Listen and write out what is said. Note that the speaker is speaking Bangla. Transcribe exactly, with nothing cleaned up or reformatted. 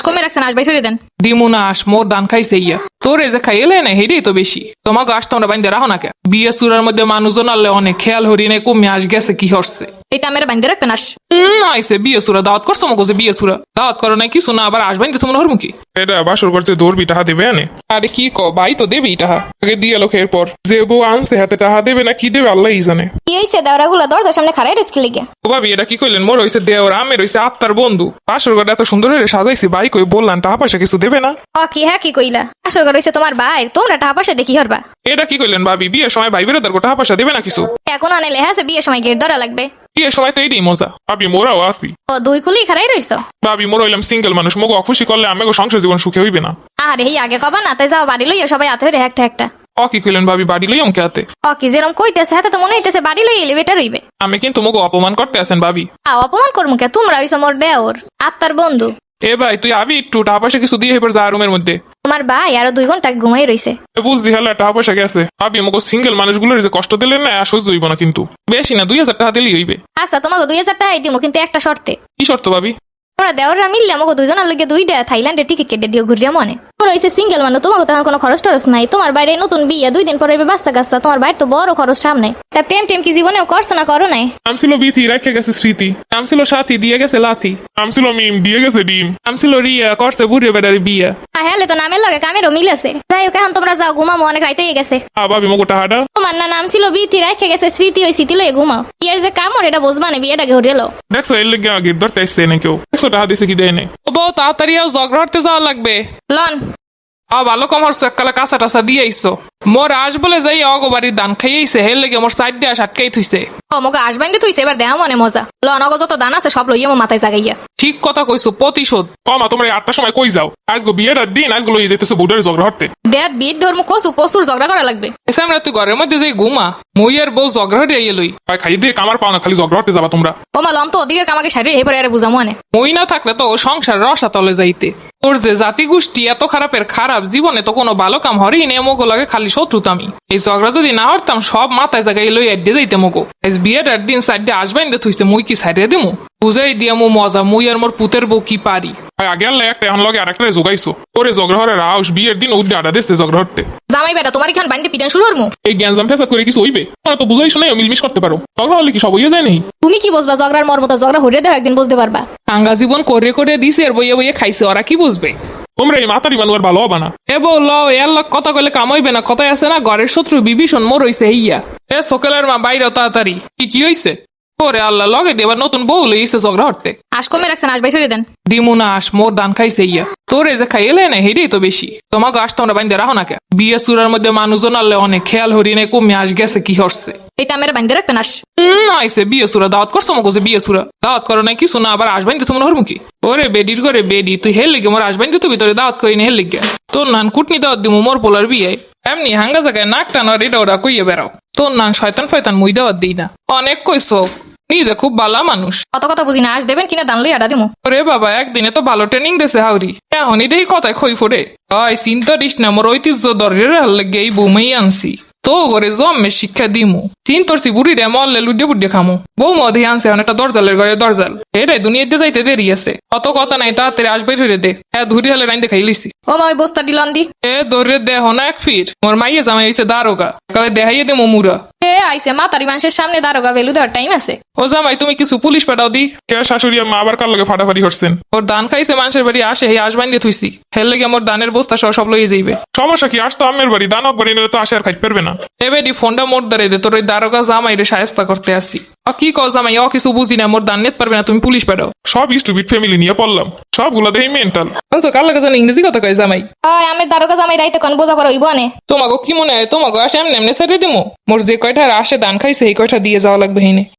কমে রাখছেন আসবাই সরিয়ে দেন। দিমু না আস মোর দান খাইছে ইয়া তোর এই যে খাইলে না হেডেই তো বেশি তোমাকে আস তোমরা বাইন্দে রাখো না কে বিয়ে সুরার মধ্যে মানুষজন আনলে অনেক খেয়াল হরিণে কমে আস গেছে কি হরছে এইটা আমার বাইন্দে রাখবেন আস। হম আইসে বিয়ে সুরা দাওয়াত করছো মগো যে বিয়ে সুরা দাওয়াত করো না কিছু না আবার আসবেন তোমরা হরমুখী এটা বাসর করছে দৌড়বি টাহা দেবে আনে আরে কি ক ভাই তো দেবেই টাহা আগে দিয়ে লোক এরপর যে বউ আনছে হাতে টাহা দেবে না কি দেবে আল্লাহই জানে। কি হয়েছে দেওয়ারাগুলো দরজার সামনে খারাই রিস্কি লেগে। ও ভাবি এটা কি কইলেন মোর হইছে দেওর আমের হইছে আত্মার বন্ধু বাসর ঘরটা এত সুন্দর করে সাজাইছি ভাই কই বললাম টাকা পয়সা কিছু দেবে না। ও কি হ্যাঁ কি কইলা আসল ঘর হইছে তোমার ভাই তোমরা টাকা পয়সা দেখি হরবা। এটা কি কইলেন ভাবি বিয়ের সময় ভাই বেরোদার টাকা পয়সা দেবে না কিছু এখন আনে লেহা আছে বিয়ের সময় গেট ধরা লাগবে। বিয়ের সময় তো এইটাই মজা। ভাবি মোরাও আসি ও দুই কুলি খারাই রইছো। ভাবি মোর হইলাম সিঙ্গেল মানুষ মগো অখুশি করলে আমাকে সংসার জীবন সুখে হইবে না। আরে এই আগে কবা না তাই যাও বাড়ি লইয়া সবাই হাতে ধরে একটা একটা। ও কি কইলেন ভাবি বাড়ি লই অমকে হাতে ও কি যেরকম কইতেছে হাতে তো মনে হইতেছে বাড়ি লই এলিভেটর হইবে। আমি কিন্তু মগো অপমান করতে আছেন ভাবি। আ অপমান করমু কে তোমরা হইছো মোর দেওর আত্মার বন্ধু। এ ভাই তুই আবি একটু টাকা পয়সা কিছু দিয়ে এবার যা রুমের মধ্যে তোমার ভাই আরো দুই ঘন্টা ঘুমাই রইছে। বুঝলি হলে টাকা পয়সা গেছে ভাবি মগো সিঙ্গেল মানুষগুলোর যে কষ্ট দিলেন না সহ্য হইব না কিন্তু বেশি না দুই হাজার টাকা দিলেই হইবে। আচ্ছা তোমাকে দুই হাজার টাকাই দিমু কিন্তু একটা শর্তে। কি শর্ত ভাবি? তোমরা দেওররা মিললে আমাকে দুজনের লগে দুইটা থাইল্যান্ডের টিকিট কেটে দিও ঘুরিয়া মনে। তোমরা হইছে সিঙ্গেল মানুষ তোমাকে তখন কোনো খরচ টরচ নাই তোমার বাইরে নতুন বিয়ে দুই দিন পরে বাস্তা গাস্তা তোমার বাইরে তো বড় খরচ সামনে তা প্রেম টেম কি জীবনেও করছো না করো নাই। নাম ছিল বিথি রেখে গেছে স্মৃতি নাম ছিল সাথী দিয়ে গেছে লাথি নাম ছিল মিম দিয়ে গেছে ডিম নাম ছিল রিয়া করছে বুড়ে বেড়ার বিয়া। হ্যাঁ তো নামের লগে কামেরও মিলেছে। যাই হোক এখন তোমরা যাও ঘুমামো অনেক রাইতে হয়ে গেছে। আ ভাবি মগো টাহাটা তোমার না নাম ছিল বিথি রেখে গেছে স্মৃতি ওই স্মৃতি লয়ে ঘুমাও বিয়ের যে কামড় এটা বুঝবা না বিয়েটাকে ঘুরে লো। দেখছো এর লেগে আগে ধরতে আসছে না কেউ দেখছো টাহা দিছে কি দেয় নাই ও বউ তাড়াতাড়ি আও ঝগড়া হাঁটতে যাওয়া লাগবে। লন আ ভালো কম হরছো এককালে কাঁচা টাচা দিয়ে আইসো মোর আস বলে যাই অগো বাড়ির দান খাইয়েছে হের লেগে মোর সাইড দিয়ে আটকাই থুইছে। ও মোকে আসবেন তুইছে এবার দেহ মনে মজা লন অগো যত দান আছে সব লইয়া মো মাথায় জাগাইয়া। ঠিক কথা কইছো প্রতিশোধ। ও মা তোমরা এই আটটার সময় কই যাও আজগো বিয়েটার দিন আজগুলো লইয়ে যেতেছে বউডারে ঝগড়া হতে দেখ বিয়ের ধর্ম কসু প্রচুর ঝগড়া করা লাগবে। এসে আমরা তুই ঘরের মধ্যে যাই ঘুমা মই আর বউ ঝগড়া হতে আইয়ে লই ভাই খাই দিয়ে কামার পাও না খালি ঝগড়া হতে যাবা তোমরা। ও মা লন তো ওদিকের কামাকে সাইডে এবারে আরে বুঝামো আনে। মই না থাকলে তো ও সংসার রসা তলে যাইতে। তোর যে জাতি গোষ্ঠী এত খারাপের খারাপ জীবনে তো কোনো ভালো কাম হরেই নে মগো লাগে খালি শত্রুতামি। এই ঝগড়া যদি না হরতাম সব মাথায় জায়গায় লই আড্ডে যাইতে মগো আজ বিয়েটার দিন সাইডে আসবেন দে থুইছে মুই কি সাইডে দিমু বুঝাই দিয়া মো মজা মুই আর মোর পুতের বউ কি পারি। ভাই আগে আনলে একটা এখন লগে আরেকটা জোগাইছো ওরে ঝগড়া হরে রাউস বিয়ের দিন উদ্দে আডা দিচ্ছে ঝগড়া হতে। জামাই বেটা তোমার এখান বাড়িতে পিটান শুরু হরমু। এই জ্ঞানজাম ফেসাদ করে কিছু হইবে তোমরা তো বুঝাই শুনে মিলমিশ করতে পারো ঝগড়া হলে কি সব হইয়া যায় নাই। তুমি কি বুঝবা ঝগড়ার মর্মতা ঝগড়া হরিয়ে দেও একদিন বুঝতে পারবা। আঙ্গা জীবন করে করে দিছে আর বইয়ে বইয়ে খাইছে ওরা কি বুঝবে। তোমরা এই মাতারি মানুষ আর ভালো হবা না। এ বল এর লোক কথা কইলে কাম হইবে না কথাই আছে না ঘরের শত্রু বিভীষণ মোর হইছে হইয়া। এ সকালের মা বাইরে তাড়াতাড়ি কি কি হইছে ওরে আল্লাহ লগে দেবার নতুন বউ লইছে ঝগড়া হতে। আশ কমে রাখছেন আসবাই সরিয়ে দেন। দিমু না আস মোর দান খাইছে ইয়া তোর এই যে খাইলে না হেডেই তো বেশি তোমাকে আস তোমরা বাইন্দে রাখো না কে বিয়ে সুরার মধ্যে মানুষজন আনলে অনেক খেয়াল হরিণে কমে আস গেছে কি হরছে। এইটা আমার বাইন্দে রাখবেন আস। হম আইসে বিয়ে সুরা দাওয়াত করছো মগো যে বিয়ে সুরা দাওয়াত করো না কিছু না আবার আসবেন তো তোমরা হরমুখী। ওরে বেডির করে বেডি তুই হেল লিগে মোর আসবেন তো ভিতরে দাওয়াত করিনি হেল লিগে তোর নান কুটনি দাওয়াত দিমু মোর পোলার বিয়ে এমনি হাঙ্গা জায়গায় নাক টানো এটা ওরা কইয়ে বেড়াও তোর নান শয়তান ফয়তান মুই দাওয়াত দিই না অনেক কইছো নিজে খুব ভালো মানুষ কত কথা বুঝি না আস দেবেন কিনা দান লই আডা দিমু। ওরে বাবা একদিনে তো ভালো ট্রেনিং দেছে হাউরি এখনই দেখি কথায় খই ফোড়ে হয় চিন্তা দিস না মোর ঐতিহ্য দরের হাল লেগে এই বৌমাই আনছি তো ঘরে জন্মে শিক্ষা দিমু চিন্তরছি বুড়ি রে মল্লে লুডে বুড্ডে খামু বউ মধে আনছে অনেকটা দরজালের ঘরে দরজাল এটাই দুনিয়াতে যাইতে দেরি আছে অত কথা নাই তাড়াতাড়ি আসবে ধরে দে হ্যাঁ ধুরি হলে রাইন দেখাই লিছি। ও মা ওই বস্তা দিলন দি এ ধরে দেহ না এক ফির মোর মাইয়ে জামাই হইছে দারোগা কালে দেখাইয়ে দে মুরা। এ আইছে মাতারি মানুষের সামনে দারোগা ভেলু দেওয়ার টাইম আছে। ও জামাই তুমি কিছু পুলিশ পাঠাও দি কে শাশুড়ি আর মা আবার কার লগে ফাটাফাটি হচ্ছেন। ওর দান খাইছে মানুষের বাড়ি আসে হে আসবাইন দিয়ে থুইছি হেল লেগে মোর দানের বস্তা সহ সব লইয়ে যাইবে। সমস্যা কি আসতো আমের বাড়ি দানক বাড়ি নিলে তো আসে আর খাইতে পারবে না। এবেডি ফোনটা মোর দাঁড়াই দে তোর ওই দারোগা জামাই রে সায়স্তা করতে আসছি। অ কি কও জামাই অ কিছু বুঝি না মোর দান নিতে পারবে না তুমি পুলিশ পাঠাও। সব স্টুপিড ফ্যামিলি নিয়ে পড়লাম সবগুলা দেখি মেন্টাল। বুঝছো কার লাগে জানি ইংরেজি কথা কয় জামাই। ওই আমি দারোগা জামাই রাইতে কোন বোঝা পড়া হইব আনে। তোমাকে কি মনে হয় তোমাকে আসে এমনি এমনি ছেড়ে দিমু মোর যে কয়টা আসে দান খাইছে এই কয়টা দিয়ে যাওয়া লাগবে হিনে।